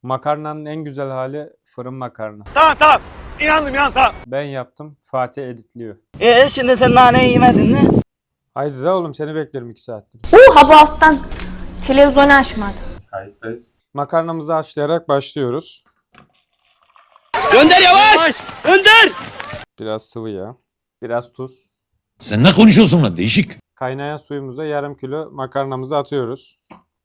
Makarnanın en güzel hali fırın makarna. Tamam. İnandım tamam. Ben yaptım. Fatih editliyor. Şimdi sen naneyi yemedin mi? Haydi da oğlum seni beklerim 2 saattir. Ha bu alttan televizyonu açmadı. Kayıttayız. Makarnamızı haşlayarak başlıyoruz. Gönder yavaş! Gönder! Biraz sıvı yağ. Biraz tuz. Sen ne konuşuyorsun lan değişik? Kaynayan suyumuza yarım kilo makarnamızı atıyoruz.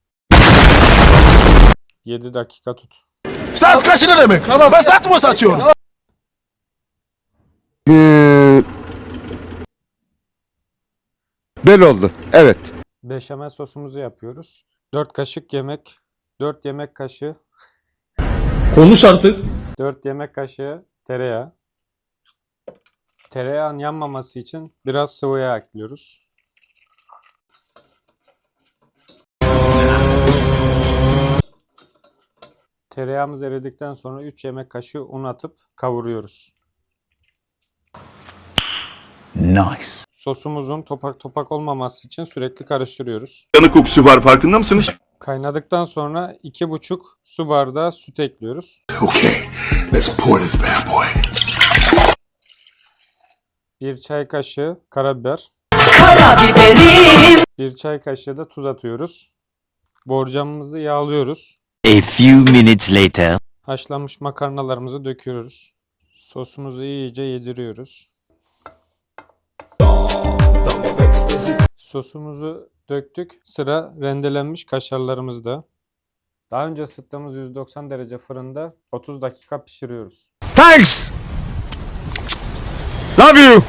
7 dakika tut. Saat kaçı ne demek? Ben saat mı satıyorum? Böyle oldu. Evet. Beşamel sosumuzu yapıyoruz. 4 kaşık yemek. 4 yemek kaşığı. Konuş artık. 4 yemek kaşığı tereyağı. Tereyağın yanmaması için biraz sıvı yağ ekliyoruz. Tereyağımız eridikten sonra 3 yemek kaşığı un atıp kavuruyoruz. Nice. Sosumuzun topak topak olmaması için sürekli karıştırıyoruz. Yanık kokusu var farkında mısınız? Kaynadıktan sonra 2,5 su bardağı süt ekliyoruz. Okay, let's pour this bad boy. 1 çay kaşığı karabiber. 1 çay kaşığı da tuz atıyoruz. Borcamımızı yağlıyoruz. A few minutes later. Haşlanmış makarnalarımızı döküyoruz. Sosumuzu iyice yediriyoruz. Sosumuzu döktük. Sıra rendelenmiş kaşarlarımızda. Daha önce ısıttığımız 190 derece fırında 30 dakika pişiriyoruz. Thanks! Love you!